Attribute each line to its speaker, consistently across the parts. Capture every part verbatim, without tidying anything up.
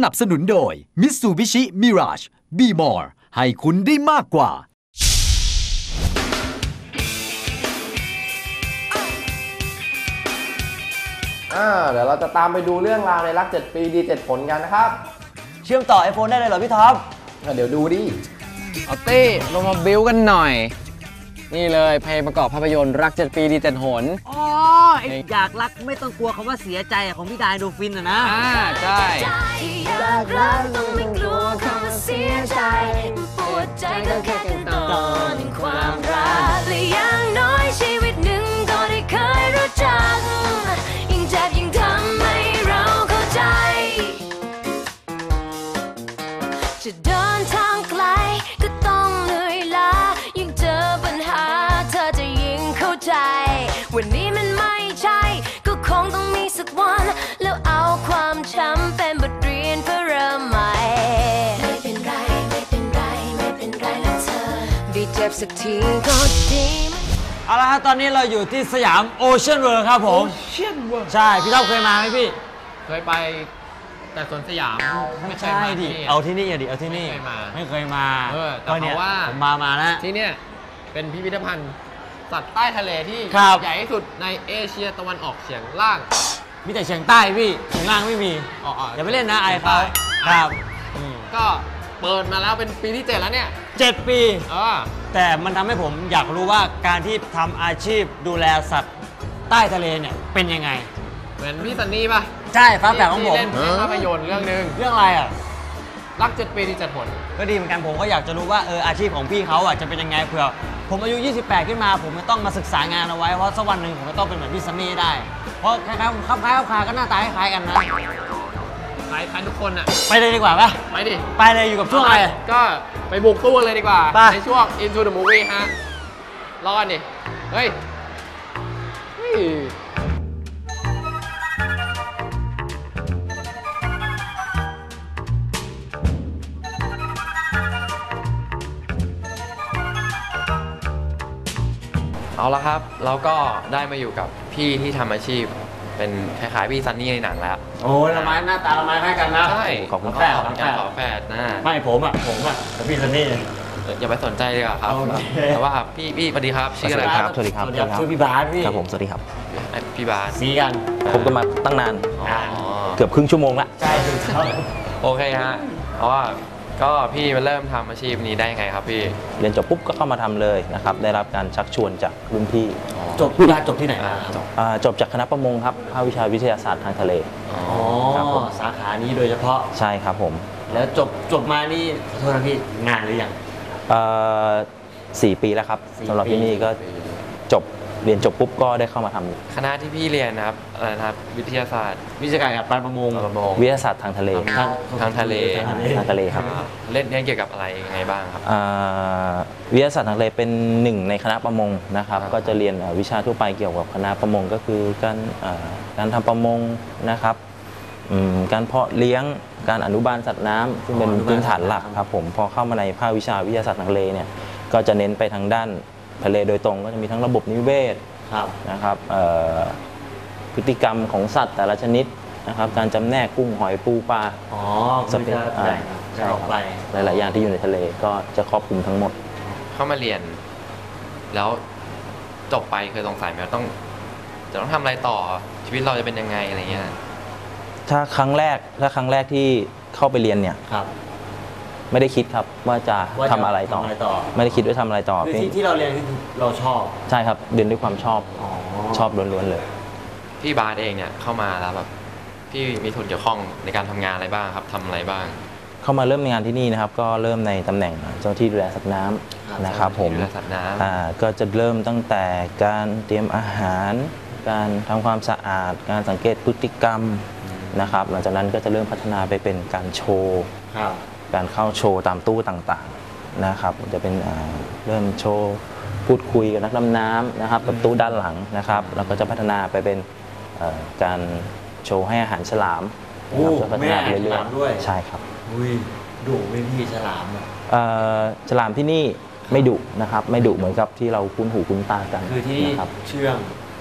Speaker 1: นับสนุนโดย Mitsubishi Mirage Be More ให้คุณได้มากกว่า
Speaker 2: อ่าเดี๋ยวเราจะตามไปดูเรื่องราวในรักเจ็ดปีดีเจ็ดผลกันนะครับ
Speaker 3: เชื่อมต่อ iPhone ได้เลยเหรอพี่ท็อป
Speaker 2: เดี๋ยวดูดิ
Speaker 4: เอาตี้ลงมาบิ้วกันหน่อยนี่เลยเพลงประกอบภาพยนตร์รักเจ็ดปีดีเจ็ดหน
Speaker 3: อ๋ออยากรักไม่ต้องกลัวคำว่าเสียใจของพี่ดายโดฟินอะนะ
Speaker 4: อ่าใช่
Speaker 5: อยากรักต้องไม่กลัวคำว่าเสียใจปวดใจก็แค่ขั้นตอนความรักและอย่างน้อยชีวิตหนึ่งก็ได้เคยรู้จักยิ่งเจ็บยิ่งทำให้เราเข้าใจจะเดินทางไกลก็ต้องเหนื่อยล้ายิ่งเจอปัญหาเธอจะยิ่งเข้าใจวันนี้มันไม่ใช่ก็คงต้องมีสักวันแล้วเอาความช้ำเป็นบทเรียนเพื่อเริ่มใหม่ไม่เป็นไรไม่เป็นไรไม่เป็นไรแล้วเธอได้เจ็บสักทีก็ดี
Speaker 3: เอาละครับตอนนี้เราอยู่ที่สยามโอเชียนเวิลด์ครับผมโอเชียนเวิลด์ใช่พี่ท็อปเคยมาไหมพี่
Speaker 4: เคยไปแต่สวนสยาม
Speaker 3: ไม่ใช่ดิเอาที่นี่อย่าดิเอาที่นี่ไม่เคยมา
Speaker 4: เออแต่เพราะว่า
Speaker 3: ผมมามาแล้ว
Speaker 4: ที่เนี่ยเป็นพิพิธภัณฑ์สัตว์ใต้ทะเลที่ใหญ่ที่สุดในเอเชียตะวันออกเฉียงล่าง
Speaker 3: มีแต่เฉียงใต้พี่เฉียงล่างไม่มีอย่าไปเล่นนะไอ้เขาครับ
Speaker 4: ก็เปิดมาแล้วเป็นปีที่เจ็ดแล้วเนี่ย
Speaker 3: เจ็ดปีแต่มันทำให้ผมอยากรู้ว่าการที่ทำอาชีพดูแลสัตว์ใต้ทะเลเนี่ยเป็นยังไง
Speaker 4: เหมือนพี่ซันนี่ป่ะ
Speaker 3: ใช่ฟ้าแฝดของผม
Speaker 4: เล่นภาพยนตร์เรื่องนึง
Speaker 3: เรื่องอะไรอ่ะ
Speaker 4: รักเจ็ดปีดีเจ็ดผล
Speaker 3: ก็ดีเหมือนกันผมก็อยากจะรู้ว่าเอออาชีพของพี่เขาอ่ะจะเป็นยังไงเผื่อผมอายุยี่สิบแปดขึ้นมาผมจะต้องมาศึกษางานเอาไว้เพราะสักวันหนึ่งผมจะต้องเป็นเหมือนพี่ซันนี่ได้เพราะคล้ายๆคับคล้ายคับคาก็หน้าตาคล้ายกันนะ
Speaker 4: คล้ายคล้ายทุกคนอ่ะ
Speaker 3: ไปเลยดีกว่าป่ะ
Speaker 4: ไปดิ
Speaker 3: ไปเลยอยู่กับช่วงอะไร
Speaker 4: ก็ไปบุกตู้เลยดีกว่าในช่วง Into the Movie ฮะรอกันดิเฮ้ย
Speaker 2: เอาละครับเราก็ได้มาอยู่กับพี่ที่ทำอาชีพเป็นคล้ายๆพี่ซันนี่ในหนังแล้ว
Speaker 3: โอ้ยละไม้หน้าตาละไม้คล้ายกันนะ
Speaker 2: ใช่
Speaker 3: ของคุณ
Speaker 2: แฝดของการขอแฝดนะ
Speaker 3: ไม่ผมอ่ะผมอ่ะกับพี่ซันนี่
Speaker 2: อย่าไปสนใจเลยครับแต่ว่าพี่พี่สวัสดีครับชื่ออะไรครับ
Speaker 6: สวัสดีครับ
Speaker 3: ชื่อพี่บาสพี่
Speaker 6: ครับผมสวัสดีครับ
Speaker 2: พี่บาส
Speaker 3: ซีกัน
Speaker 6: ผมก็มาตั้งนานเกือบครึ่งชั่วโมงละ
Speaker 3: ใช่ครับ
Speaker 2: โอเคฮะเพราะว่าก็พี่มาเริ่มทำอาชีพนี้ได้ไงครับพี่
Speaker 6: เรียนจบปุ๊บก็เข้ามาทำเลยนะครับได้รับการชักชวนจากรุ่นพี่
Speaker 3: จบพี่บาสจบที่ไหน
Speaker 6: จบจากคณะประมงครับภาควิชาวิทยาศาสตร์ทางทะเล
Speaker 3: อ๋อสาขานี้โดยเฉพาะ
Speaker 6: ใช่ครับผม
Speaker 3: แล้วจบจบมานี่ขอโทษนะพี่งานหรือยัง
Speaker 6: สี่ปีแล้วครับสำหรับที่นี่ก็จบเรียนจบปุ๊บก็ได้เข้ามาทำ
Speaker 2: คณะที่พี่เรียนนะครับอะไรนะครับวิทยาศาสตร์
Speaker 3: วิชาการกับการประมง
Speaker 6: วิทยาศาสตร์ทางทะเล
Speaker 2: ทางทะเล
Speaker 6: ทางทะเลครับ
Speaker 2: เล่นเรียนเกี่ยวกับอะไรยังไงบ้างครับ
Speaker 6: วิทยาศาสตร์ทางทะเลเป็นหนึ่งในคณะประมงนะครับก็จะเรียนวิชาทั่วไปเกี่ยวกับคณะประมงก็คือการการทำประมงนะครับการเพาะเลี้ยงการอนุบาลสัตว์น้ำซึ่งเป็นพื้นฐานหลักครับผมพอเข้ามาในภาควิชาวิทยาศาสตร์ทางทะเลเนี่ยก็จะเน้นไปทางด้านทะเลโดยตรงก็จะมีทั้งระบบนิเวศนะครับพฤติกรรมของสัตว์แต่ละชนิดนะครับการจำแนกกุ้งหอยปูปลา
Speaker 3: อ๋อสเปซใช่ไป
Speaker 6: หลายๆอย่างที่อยู่ในทะเลก็จะครอบคลุมทั้งหมด
Speaker 2: เข้ามาเรียนแล้วจบไปเคยสงสัยไหมว่าต้องจะต้องทำอะไรต่อชีวิตเราจะเป็นยังไงอะไรเงี้ย
Speaker 6: ถ้าครั้งแรกถ้าครั้งแรกที่เข้าไปเรียนเนี่ยไม่ได้คิดครับว่าจะทำอะไรต่อไม่ได้คิดว่าทำอะไรต่อ
Speaker 3: ที่ที่เราเรียนเราชอบ
Speaker 6: ใช่ครับเรียนด้วยความชอบชอบล้วนๆเลย
Speaker 2: พี่บาสเองเนี่ยเข้ามาแล้วแบบพี่มีส่วนเกี่ยวข้องในการทำงานอะไรบ้างครับทำอะไรบ้าง
Speaker 6: เข้ามาเริ่มงานที่นี่นะครับก็เริ่มในตำแหน่งเจ้าที่ดูแลสัตว์น้ำนะครับผมก็จะเริ่มตั้งแต่การเตรียมอาหารการทำความสะอาดการสังเกตพฤติกรรมนะครับหลังจากนั้นก็จะเริ่มพัฒนาไปเป็นการโชว์การเข้าโชว์ตามตู้ต่างๆนะครับจะเป็นเริ่มโชว์พูดคุยกับนักดำน้ำนะครับกับตู้ด้านหลังนะครับแล้วก็จะพัฒนาไปเป็นการโชว์ให้อาหารฉลาม
Speaker 3: จะพัฒนาไปเรื่อย
Speaker 6: ๆใช่ครับ
Speaker 3: ดุไม่พี่ฉลาม
Speaker 6: ฉลามที่นี่ไม่ดุนะครับไม่ดุเหมือนกับที่เราคุ้นหูคุ้นตากัน
Speaker 3: คือที่เชื่อง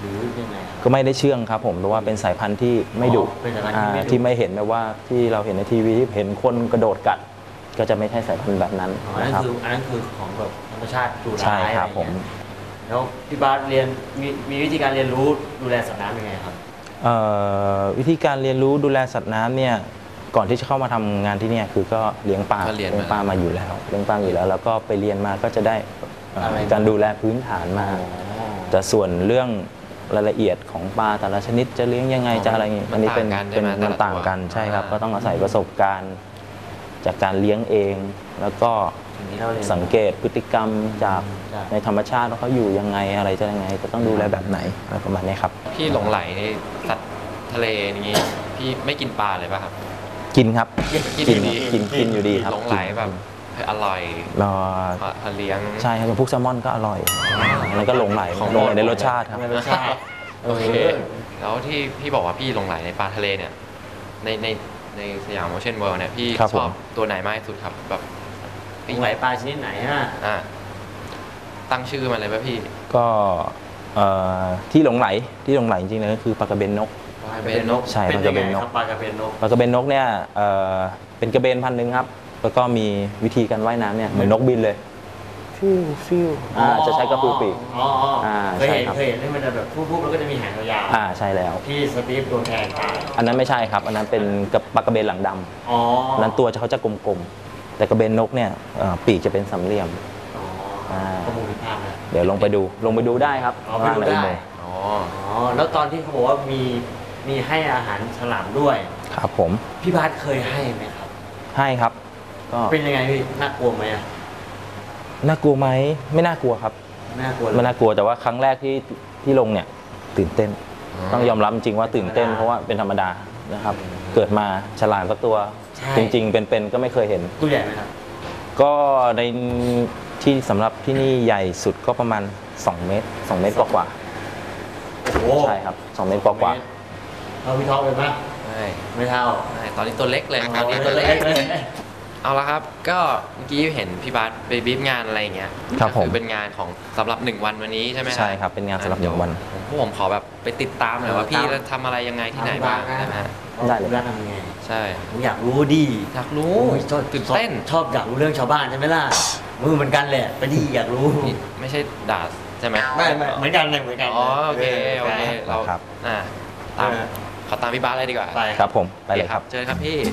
Speaker 3: หรือยังไงครับ
Speaker 6: ก็ไม่ได้เชื่องครับผมเพราะว่าเป็นสายพันธุ์ที่ไม่ดุ
Speaker 3: อ๋อเป็นสายพันธุ์ที่
Speaker 6: อ่า
Speaker 3: ไม่ดุ
Speaker 6: ที่ไม่เห็นแบบว่าที่เราเห็นในทีวีที่เห็นคนกระโดดกัด ก็จะไม่ใช่สายพันธุ์แบบนั้น
Speaker 3: อ๋ออันนั้
Speaker 6: นะ
Speaker 3: น
Speaker 6: ครับ
Speaker 3: คืออันนั้นคือของแบบธรรมชาติดุร้าย
Speaker 6: ใช่ครับ
Speaker 3: อะไอย่าง
Speaker 6: ผม
Speaker 3: เงี้ยแล้วพี่บาสเรียนมีมีวิธีการเรียนรู้ดูแลสัตว์น้ำยังไงครับ
Speaker 6: เอ่อวิธีการเรียนรู้ดูแลสัตว์น้ำเนี่ยก่อนที่จะเข้ามาทำงานที่เนี่ยคือก็เลี้ยงปลา
Speaker 2: ก็เรียนมา
Speaker 6: เลี้ยงปลามาอยู่แล้วเลี้ยงปลาอยู่แล้ว แล้วก็ไปเรียนมาก็จะได้เอ่อ
Speaker 3: อะไร
Speaker 6: การดูแลพื้นฐานมา แต่ส่วนเรื่องรายละเอียดของปลาแต่ละชนิดจะเลี้ยงยังไงจะอะไรอย่างงี้
Speaker 2: มัน
Speaker 6: อันนี้เป็น
Speaker 2: ต่างกันใช่
Speaker 6: เป็น
Speaker 2: ไหม
Speaker 6: มัน
Speaker 2: แต่ละ
Speaker 6: ต่างกัน
Speaker 2: ตัว
Speaker 6: ใช่ครับ
Speaker 2: อ่า
Speaker 6: ก็ต้องอาศัยประสบการณ์จากการเลี้ยงเอง แล้วก็
Speaker 3: สิ่งที่เราเรียน
Speaker 6: สังเกตพฤติกรรมจาก
Speaker 3: ใช่
Speaker 6: ในธรรมชาติว่าเขาอยู่ยังไงอะไรจะยังไงจะต้องดูแลแบบไหนอะไรประมาณนี้ครับ
Speaker 2: พี่หลงไหลในสัตว์ทะเลอย่างงี้พี่ไม่กินปลาเลยป่ะครับ
Speaker 6: กินครับ
Speaker 2: กิน
Speaker 6: กิน
Speaker 2: อยู่ดี
Speaker 6: กินกินอยู่ดีครับ
Speaker 2: หลงไหลแบบเฮ้ยอร่อย
Speaker 6: รอ
Speaker 2: พอพอเลี้ยง
Speaker 6: ใช่ครับอย่างพวกแซลมอนก็อร่อยแล้วก็หลงไหล
Speaker 2: ของ
Speaker 6: หลงไหล
Speaker 2: โปรด
Speaker 6: ในรสชาติครับ
Speaker 3: ในรสชาติ
Speaker 2: โอเค แล้วที่พี่บอกว่าพี่หลงไหลในปลาทะเลเนี่ย ในในในสยามโอเชียนเวิลด์เนี่ยพี่
Speaker 6: ครับ
Speaker 2: ชอบ
Speaker 6: ผม
Speaker 2: ตัวไหนมากที่สุดครับแบบ
Speaker 3: หลงไหลปลาชนิดไหนฮะ
Speaker 2: อ่าตั้งชื่อมันเลยป่ะพี่
Speaker 6: ก็เอ่อที่หลงไหลที่หลงไหลจริงๆเลยก็คือปลากระเบนนก
Speaker 2: ปลากระเบนนก
Speaker 6: ใช่
Speaker 3: เป็น
Speaker 6: ปลาก
Speaker 3: ยั
Speaker 6: ระ
Speaker 3: ง
Speaker 6: เบ
Speaker 3: ไง
Speaker 6: นน
Speaker 3: ค
Speaker 6: ก
Speaker 3: รับปลากระเบนนก
Speaker 6: ปลากระเบนนกเนี่ยเอ่อเป็นกระเบนพันธุ์หนึ่งครับแล้วก็มีวิธีการว่ายน้ำเนี่ยเหมือนนกบินเลยฟิวฟิวอ่าจะใช้กระพือปีก
Speaker 3: อ๋ออ๋อ
Speaker 6: อ่า
Speaker 3: เคยเห็น
Speaker 6: ใช่ครับ
Speaker 3: เคยเห็นที่มันจะแบบพุบๆแล้วก็จะมีหางยาว
Speaker 6: อ่าใช่แล้ว
Speaker 3: ๆที่สตีฟโดนแทงตาย
Speaker 6: อันนั้นไม่ใช่ครับ อันนั้นเป็นกระปลากระเบนหลังดำ
Speaker 3: อ๋อ
Speaker 6: อันนั้นตัวเขาจะกลมๆแต่กระเบนนกเนี่ยเอ่อปีกจะเป็นสามเหลี่ยม
Speaker 3: อ๋อ
Speaker 6: อ่า
Speaker 3: ข้อมูลผิดพลาดนะ
Speaker 6: เดี๋ยวลงไปดูลงไปดูได้ครับ
Speaker 3: อ๋อไปดูได้
Speaker 6: ข้างล่างในอุโมงค์
Speaker 2: อ๋อ
Speaker 3: อ๋อแล้วตอนที่เขาบอกว่ามีมีให้อาหารฉลามด้วย
Speaker 6: ครับผม
Speaker 3: พี่บาสเคยให้ไหมครับ
Speaker 6: ให้ครับ ก็
Speaker 3: เป็นยังไงพี่น่ากลัวไหมอะ
Speaker 6: น่ากลัวไหมไม่น่ากลัวครับ
Speaker 3: น่ากลัวเลย
Speaker 6: ไม่น่ากลัวแต่ว่าครั้งแรกที่ที่ลงเนี่ยตื่นเต้น
Speaker 2: อ๋อ
Speaker 6: ต้องยอมรับจริงว่าตื่นเต้นเพราะว่าเป็นธรรมดานะครับ เกิดมาฉลามสักตัว
Speaker 3: ใช่
Speaker 6: จริง ๆ เป็นๆก็ไม่เคยเห็น
Speaker 3: ตัวใหญ่ไหมครับ
Speaker 6: ก็ในที่สำหรับที่นี่ใหญ่สุดก็ประมาณสองเมตรสองเมตรกว่า
Speaker 3: โอ้
Speaker 6: ๆใช่ครับสองเมตรกว่า
Speaker 3: เราพี่ท็อปเป็นปะ
Speaker 2: ใช่
Speaker 3: ไม่เท่า
Speaker 2: ใช่ตอนนี้ตัวเล็กเลย
Speaker 3: อ๋อ
Speaker 2: ตอนนี้ตัว
Speaker 3: เล็
Speaker 2: เล็
Speaker 3: ก
Speaker 2: ก
Speaker 3: เลย
Speaker 2: เอาละครับ ก็เมื่อกี้เห็นพี่บาสไปบีบงานอะไรอย่างเงี้ย
Speaker 6: ครับ
Speaker 2: ก็
Speaker 6: ผม
Speaker 2: คือเป็นงานของสำหรับหนึ่งวันวันนี้ใช่ไหม
Speaker 6: ใช่ครับเป็นงานสำหรับหนึ่งวัน
Speaker 2: พวกผมขอแบบไปติดตามหน่อยว่าพี่จะทำอะไรยังไงที่ไหนบ้างนะฮะ
Speaker 6: ได้เลย
Speaker 3: ได้ทำยังไง
Speaker 2: ใช่
Speaker 3: ผมอยากรู้ดิ
Speaker 2: อยากรู้
Speaker 3: โอ้ยชอบ
Speaker 2: ตื่นเต้น
Speaker 3: ชอบอยากรู้เรื่องชาวบ้านใช่ไหมล่ะมือเหมือนกันแหละไปดิอยากรู้
Speaker 2: นี่ไม่ใช่ด่าใช่ไหม
Speaker 3: ไม่ไม่เหมือนกันเลยเหมือนกัน
Speaker 2: อ๋อโอเคโอเคเรา
Speaker 6: ครับ
Speaker 2: อ่าตาม
Speaker 3: เออ
Speaker 2: ขอตามพี่บาสเลยดีกว่า
Speaker 3: ไป
Speaker 6: ครับผมไปเลย
Speaker 2: โอ
Speaker 6: ครับ
Speaker 2: เชิญครับพี่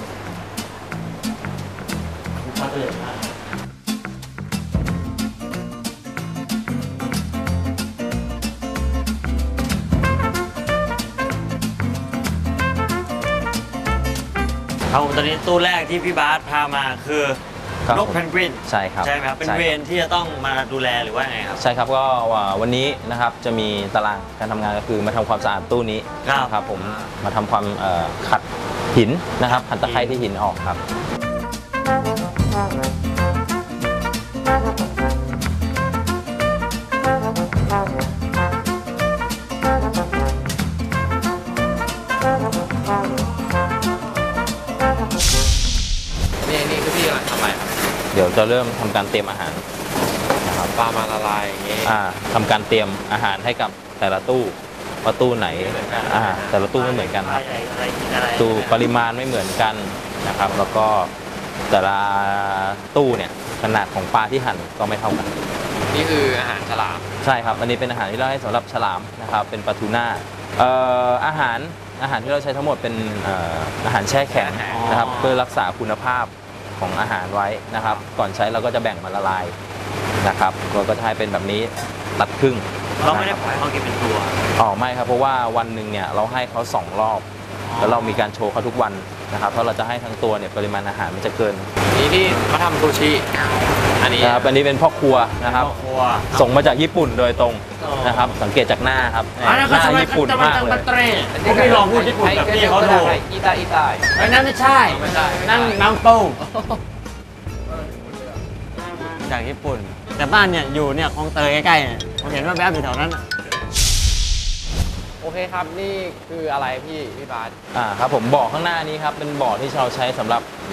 Speaker 3: มาเลยนะครับผมตอนนี้ตู้แรกที่พี่บาสพามาคือ
Speaker 6: ครับ
Speaker 3: นกเพนกวิน
Speaker 6: ใช่ครับ
Speaker 3: ใช่ไหมครับเป็น
Speaker 6: ใช่
Speaker 3: เว
Speaker 6: ครับ
Speaker 3: รที่จะต้องมาดูแลหรือว่าไงครับ
Speaker 6: ใช่ครับก็วันนี้นะครับจะมีตารางการทำงานก็คือมาทำความสะอาดตู้นี้
Speaker 3: ครับ
Speaker 6: นะครับผมมาทำความเอ่อขัดหินนะครับขัดตะไคร้ที่หินออกครับ
Speaker 2: นี่นี่คือพี่กำลังทำอะไรครับ
Speaker 6: เดี๋ยวจะเริ่มทำการเตรียมอาหารนะครับ
Speaker 2: ปลามาละลายอย่างงี้
Speaker 6: อ่าทำการเตรียมอาหารให้กับแต่ละตู้ว่าตู้ไหนอ่าแต่ละตู้ไม่เหมือนกันครับ
Speaker 3: อะไรกินอะไร
Speaker 6: ตู้ปริมาณไม่เหมือนกันนะครับ แล้วก็แต่ละตู้เนี่ยขนาดของปลาที่หั่นก็ไม่เท่ากัน
Speaker 2: นี่คืออาหารฉลาม
Speaker 6: ใช่ครับ อันนี้เป็นอาหารที่เราให้สำหรับฉลามนะครับ เป็นปลาทูน่าเอ่ออาหารอาหารที่เราใช้ทั้งหมดเป็นเอ่ออาหารแช่แข็งนะครับ เพื่อรักษาคุณภาพของอาหารไว้นะครับ ก่อนใช้เราก็จะแบ่งมาละลายนะครับเราก็จะให้เป็นแบบนี้ตัดครึ่ง
Speaker 3: เราไม่ได้ปล่อยเขากินเป็นตัว
Speaker 6: อ๋อไม่ครับ เพราะว่าวันหนึ่งเนี่ยเราให้เขาสองรอบ แล้วเรามีการโชว์เขาทุกวันนะครับ เพราะเราจะให้ทั้งตัวเนี่ยปริมาณอาหารมันจะเกิน
Speaker 2: นี่ที่มาทำซูชิ อันนี้
Speaker 6: นะครับ อันนี้เป็นพ่อครัวนะครับ
Speaker 3: ครัว
Speaker 6: ส่งมาจากญี่ปุ่นโดยตรง
Speaker 3: อ๋อ
Speaker 6: นะครับ สังเกตจากหน้าครับ
Speaker 3: อันนั้น
Speaker 6: ห
Speaker 3: ก็
Speaker 6: น้า
Speaker 3: สมัย
Speaker 6: ญี่ปุ่นมากเลย
Speaker 3: เตรพวกพี่ลองพูดญี่ปุ่นกับพี่เขาดู
Speaker 2: อีตาอีตา
Speaker 3: ไอ้นั่นไม่ใช่
Speaker 2: ไม่ใช่ไม่ใช่
Speaker 3: นั่นน้ำปูจากญี่ปุ่น แต่บ้านเนี่ยอยู่เนี่ยคลองเตยใกล้ๆเนี่ยผมเห็นว่าแวบอยู่แถวนั้นน่ะ
Speaker 4: โอเคครับ นี่คืออะไรพี่พี่บาส
Speaker 6: อ่าครับผมบ่อข้างหน้านี้ครับเป็นบ่อที่เราใช้สำหรับผ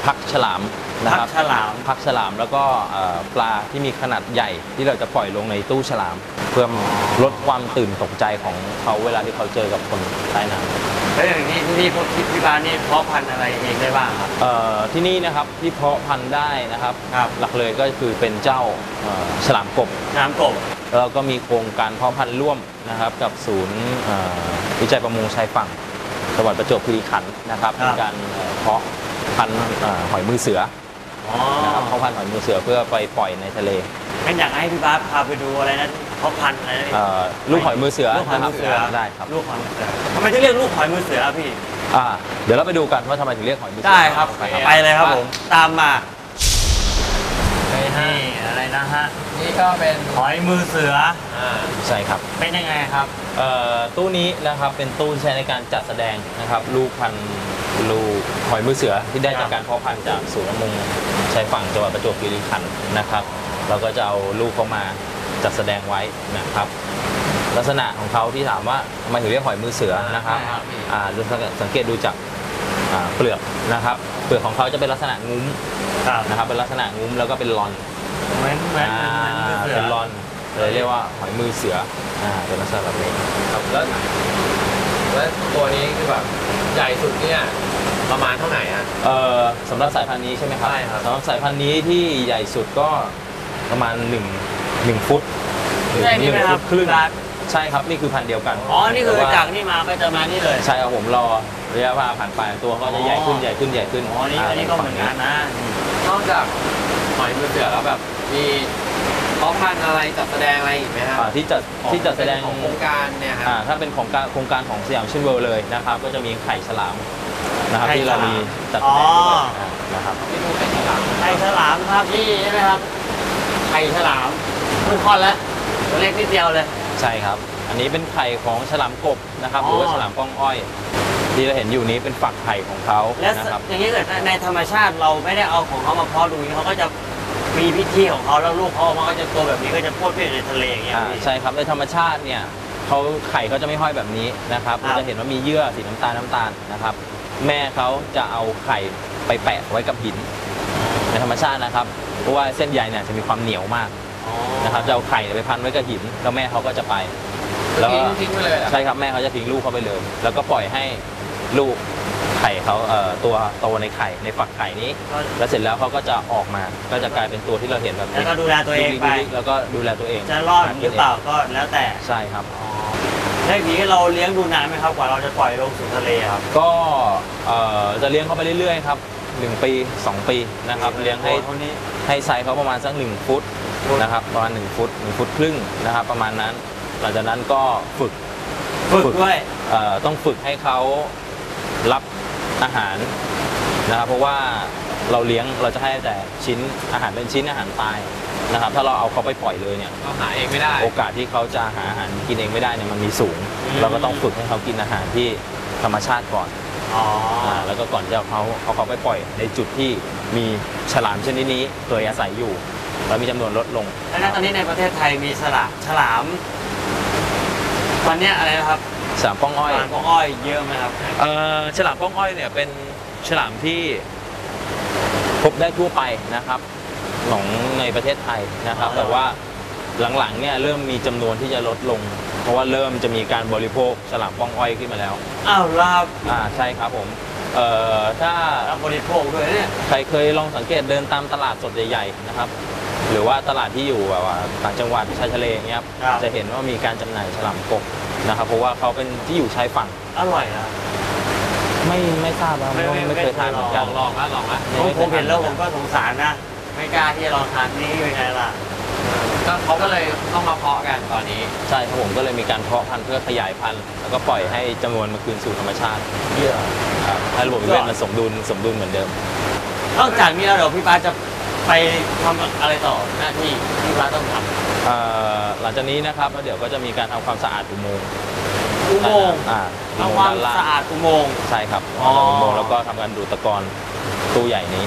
Speaker 6: พักฉลามนะครับ
Speaker 3: พักฉลาม
Speaker 6: พักฉลามแล้วก็เอ่อปลาที่มีขนาดใหญ่ที่เราจะปล่อยลงในตู้ฉลาม เพื่อลดความตื่นตกใจของเขาเวลาที่เขาเจอกับคนใต้น้ำ
Speaker 3: แล้วอย่างนี้ที่นี่พวกที่บ้านนี่เพาะพันธุ์อะไรเองได้บ้างครับ
Speaker 6: เอ่อที่นี่นะครับที่เพาะพันธุ์ได้นะครับ
Speaker 3: ครับ
Speaker 6: หลักเลยก็คือเป็นเจ้าเอ่อฉลามกบ
Speaker 3: น้ำกบ
Speaker 6: แล้วก็มีโครงการเพาะพันธุ์ร่วมนะครับกับศูนย์เอ่อวิจัยประมงชายฝั่งจังหวัดประจวบคีรีขันธ์นะครับ
Speaker 3: ครับ
Speaker 6: ในการเอ่อเพาะพันธุ์เอ่อหอยมือเสือ
Speaker 3: อ๋อ
Speaker 6: นะครับเพาะพันธุ์หอยมือเสือเพื่อไปปล่อยในทะเล
Speaker 3: งั้นอยากให้พี่บาสพาไปดูอะไรนะเพาะพันธุ์อะไรนะ
Speaker 6: เอ่อลูกหอยมือเสือ
Speaker 3: ลูกหอยมือเสือ
Speaker 6: นะครับได้ครับ
Speaker 3: ลูกหอยมือเสือทำไมถึงเรียกลูกหอยมือเสือครับพี่
Speaker 6: อ่าเดี๋ยวเราไปดูกันว่าทำไมถึงเรียกหอยมือเสื
Speaker 3: ได้ครับ
Speaker 6: ไป
Speaker 3: ไปเลยครับผม ตามมา
Speaker 4: นี่ฮะ
Speaker 3: นี่อะไรนะฮะ
Speaker 4: นี่ก็เป็น
Speaker 3: หอยมือเสือ
Speaker 4: อ่า
Speaker 6: ใช่ครับ
Speaker 3: เป็นยังไงครับ
Speaker 6: เอ่อตู้นี้นะครับเป็นตู้ที่ใช้ในการจัดแสดงนะครับลูกพันธุ์ลูกหอยมือเสือที่ได้จากการเพาะพันธุ์จากศูนย์ประมงชายฝั่งจังหวัดประจวบคีรีขันธ์นะครับเราก็จะเอาลูกเขามาจัดแสดงไว้นะครับ ลักษณะของเขาที่ถามว่าทำไมถึงเรียกหอยมือเสือนะครับอ่าดูสังเกตดูจากอ่าเปลือกนะครับเปลือกของเขาจะเป็นลักษณะงุ้ม
Speaker 3: ครับ
Speaker 6: นะครับเป็นลักษณะงุ้มแล้วก็เป็นลอน
Speaker 3: เหมือนเหมือน
Speaker 6: อ่า
Speaker 3: เหมือนมือเสือ
Speaker 6: เป็นลอนเลยเรียกว่าหอยมือเสืออ่าเป็นลักษณะแบบนี้
Speaker 4: ครับแล้วแล้วตัวนี้คือแบบใหญ่สุดเนี่ยประมาณเท่าไหร่ฮะ
Speaker 6: เอ่อสำหรับสายพันธุ์นี้ใช่ไหมครับ
Speaker 4: ใช่ครับ
Speaker 6: สำหรับสายพันธุ์นี้ที่ใหญ่สุดก็ประมาณ1 1ฟุตหรือ
Speaker 3: ใช่นี่ไหม
Speaker 6: หนึ่ง
Speaker 3: ครั
Speaker 6: ฟุ
Speaker 3: บ
Speaker 6: ตครึ่ง
Speaker 3: บาส
Speaker 6: ใช่ครับนี่คือพันธุ์เดียวกัน
Speaker 3: อ๋อ นี่คือ
Speaker 6: แต่ว่
Speaker 3: จากนี่มาก็จะมานี่เลย
Speaker 6: ใช่ครับผมรอระยะเวลาผ่านไปตัวก็จะใหญ่ขึ้นใหญ่ขึ้นใหญ่ขึ้น
Speaker 3: อ๋อ นี่อันนี้ก็เหมือนกันนะ
Speaker 4: นอกจากหอยมือเสือแล้วแบบมีเพาะพันธุ์อะไรจัดแสดงอะไรอีกไหมฮะ
Speaker 6: อ่าที่จัดที่จัดแสดง
Speaker 4: ของโครงการเนี่ยครับ
Speaker 6: อ่าถ้าเป็นของการโครงการของสยามชินเวิลด์เลยนะครับก็จะมีไข่ฉลามนะครับ
Speaker 3: ไข่
Speaker 6: ที่เรา
Speaker 3: ฉลาม
Speaker 6: มีจัดแสดงด้วย
Speaker 3: อ๋อ
Speaker 6: อ่านะครับ
Speaker 4: ที่ดูเป็นหลัง
Speaker 3: ไข่ฉลามครับพี่ใช่ไหมครับ ไข่ฉลามเพิ่งคลอดแล้วตัวเล็กนิดเดียวเลย
Speaker 6: ใช่ครับ อันนี้เป็นไข่ของฉลามกบนะครับ
Speaker 3: อ๋อ
Speaker 6: หรือว่าฉลามป้องอ้อย ที่เราเห็นอยู่นี้เป็นฝักไข่ของเขา
Speaker 3: แล้ว
Speaker 6: นะครับ
Speaker 3: อย่างนี้เกิดในธรรมชาติเราไม่ได้เอาของเขามาเพาะดูอย่างนี้เขาก็จะมีพิธีของเขาแล้วลูกเขาออกมาก็จะโตแบบนี้ก็จะพูดเพื่อนในทะเลอย่างเงี้ย
Speaker 6: อ่า
Speaker 3: พี่
Speaker 6: ใช่ครับในธรรมชาติเนี่ยเขาไข่เขาจะไม่ห้อยแบบนี้นะครับ
Speaker 3: ครับ
Speaker 6: เราจะเห็นว่ามีเยื่อสีน้ำตาลน้ำตาลนะครับ แม่เขาจะเอาไข่ไปแปะไว้กับหินในธรรมชาตินะครับ เพราะว่าเส้นใยเนี่ยจะมีความเหนียวมาก
Speaker 3: อ๋อ
Speaker 6: นะครับจะเอาไข่ไปพันไว้กับหินแล้วแม่เขาก็จะไป แล้วก็
Speaker 4: ทิ้งทิ้งไปเลยเหรอ
Speaker 6: ใช่ครับแม่เขาจะทิ้งลูกเขาไปเลย แล้วก็ปล่อยให้ลูกไข่เขาเอ่อตัวโตในไข่ในฝักไข่นี้
Speaker 3: ก็
Speaker 6: แล้วเสร็จแล้วเขาก็จะออกมาก็จะกลายเป็นตัวที่เราเห็นแบบ
Speaker 3: แล้วก็ดูแลตัวเองไป
Speaker 6: ล็กๆแล้วก็ดูแลตัวเอง
Speaker 3: จะรอดหรือเปล่าก็แล้วแต่
Speaker 6: ใช่ครับ
Speaker 3: แล้วอย่างนี้เราเลี้ยงดูนานไหมครับกว่าเราจะปล่อยลงสู่ทะเลครับ
Speaker 6: ก็เอ่อจะเลี้ยงเขาไปเรื่อยๆครับหนึ่งปีสองปีนะครับเลี้ยงให้
Speaker 3: เท่านี้
Speaker 6: ให้ไซส์เขาประมาณสักหนึ่งฟุตนะครับประมาณหนึ่งฟุตหนึ่งฟุตครึ่งนะครับประมาณนั้น หลังจากนั้นก็ฝึก
Speaker 3: ฝึกด้วย
Speaker 6: เอ่อต้องฝึกให้เขารับอาหารนะครับเพราะว่าเราเลี้ยงเราจะให้แต่ชิ้นอาหารเป็นชิ้นอาหารตายนะครับถ้าเราเอาเขาไปปล่อยเลยเนี่ย
Speaker 4: เราหาเองไม่ได้
Speaker 6: โอกาสที่เขาจะหาอาหารกินเองไม่ได้เนี่ยมันมีสูง
Speaker 3: อืม
Speaker 6: เราก็ต้องฝึกให้เขากินอาหารที่ธรรมชาติก่อน
Speaker 3: อ๋อ
Speaker 6: อ่าแล้วก็ก่อนที่จะเอาเขาเอาเขาไปปล่อยในจุดที่มีฉลามชนิดนี้ตัวอาศัยอยู่แล้วมีจำนวนลดลง
Speaker 3: แล้วณตอนนี้ในประเทศไทยมีฉลามฉลามตอนเนี้ยอะไรนะครับ
Speaker 6: ฉลามป้องอ้อย
Speaker 3: ฉลามพวกอ้อยเยอะไหมครับ
Speaker 6: เอ่อฉลามป้องอ้อยเนี่ยเป็นฉลามที่พบได้ทั่วไปนะครับของในประเทศไทยนะครับ
Speaker 3: อ๋อ
Speaker 6: แต่ว่าหลังๆเนี่ยเริ่มมีจำนวนที่จะลดลง เพราะว่าเริ่มจะมีการบริโภคฉลามป้องอ้อยขึ้นมาแล้ว
Speaker 3: อ้าวลาบ
Speaker 6: อ่าใช่ครับผมเอ่อถ้า
Speaker 3: รับบริโภคด้วยเนี่ย
Speaker 6: ใครเคยลองสังเกตเดินตามตลาดสดใหญ่ๆนะครับ หรือว่าตลาดที่อยู่แบบว่าต่างจังหวัดชายทะเลอย่างเงี้ยครับ
Speaker 3: ครับ
Speaker 6: จะเห็นว่ามีการจำหน่ายฉลามกบนะครับ เพราะว่าเขาเป็นที่อยู่ชายฝั่ง
Speaker 3: อร่อยนะ
Speaker 6: ไม่ไม่ทราบว่า
Speaker 3: ไม่
Speaker 6: ไม่
Speaker 3: ไม่
Speaker 6: ไม่เคยทานเหมือนกัน
Speaker 4: ลองนะลองนะ
Speaker 3: ผมผมเห็นแล้วผมก็สงสารนะ ไม่กล้าที่จะลองทานนี่เป็นไงล่ะ
Speaker 4: ก็เขาก็เลยต้องมาเพาะกันตอนนี้
Speaker 6: ใช่ครับผมก็เลยมีการเพาะพันธุ์เพื่อขยายพันธุ์แล้วก็ปล่อยให้จำนวนมาคืนสู่ธรรมชาติ
Speaker 3: เยอะ
Speaker 6: ครับให้ระบบนิเวศมันสมดุลสมดุลเหมือนเดิม
Speaker 3: นอกจากนี้แล้วเดี๋ยวพี่ป้าจะไปทำอะไรต่อหน้าที่ที่พี่ป้าต้องท
Speaker 6: เอ่อหลังจากนี้นะครับแล้วเดี๋ยวก็จะมีการทำความสะอาดอุโมงค์
Speaker 3: ำอุโมงค์
Speaker 6: อ่าอุ
Speaker 3: ทำ
Speaker 6: โม
Speaker 3: ควาง ม
Speaker 6: ค์ด้านล่าง
Speaker 3: สะอาดอุโมงค์
Speaker 6: ใช่ครับ
Speaker 3: อ๋อ
Speaker 6: อุโมงค์แล้วก็ทำการดูดตะกอนตู้ใหญ่นี้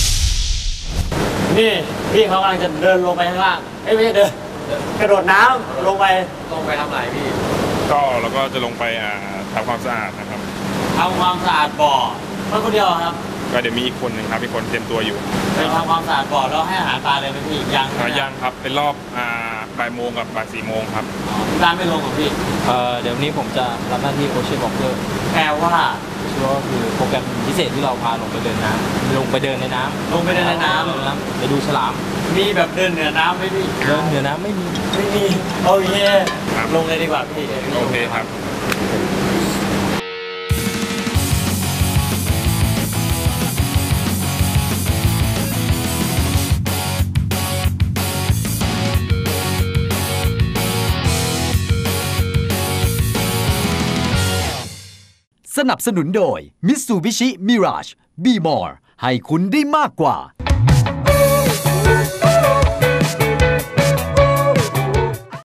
Speaker 3: นี่พี่เขากำลังจะเดินลงไปข้างล่างเอ้ยไม่ใช่เดินกระโดดน้ำลงไป
Speaker 4: ลงไปทำอะไรพี่
Speaker 7: ก็เราก็จะลงไปอ่าทำความสะอาดนะครับ
Speaker 3: ทำความสะอาดบ่อเพื่อคนเดียวครับ
Speaker 7: คก็เดี๋ยวมีอีกคนหนึ่งครับอีกคนเตรียมตัวอยู่
Speaker 3: ไปทำความสะอาดก่อนแล้วให้อาหารปลาเลยไหมพี่ยัง
Speaker 7: อ่ายังครับเป็นรอบอ่าบ่ายโมงกับบ่ายสี่โมงครับ
Speaker 3: ร้านไม่ลงของพี่
Speaker 8: เอ่อเดี๋ยวนี้ผมจะรับหน้าที่โอเชียนวอล์กเกอร์
Speaker 3: แปลว่า
Speaker 8: ก็คือโปรแกรมพิเศษที่เราพาลงไปเดินน้ำลงไปเดินในน้ำ
Speaker 3: ลงไปเดินในน้
Speaker 8: ลงน้ำไปดูฉลาม
Speaker 3: ำมีแบบเดินเหนือน้ำไหมพี่
Speaker 8: เดินเหนือน้ำไม่มี
Speaker 3: ไม่มีโอเค
Speaker 7: ครับ
Speaker 3: ลงเลยดีกว่าพี่
Speaker 7: โอเคครับ
Speaker 1: สนับสนุนโดย Mitsubishi Mirage Be More ให้คุณได้มากกว่า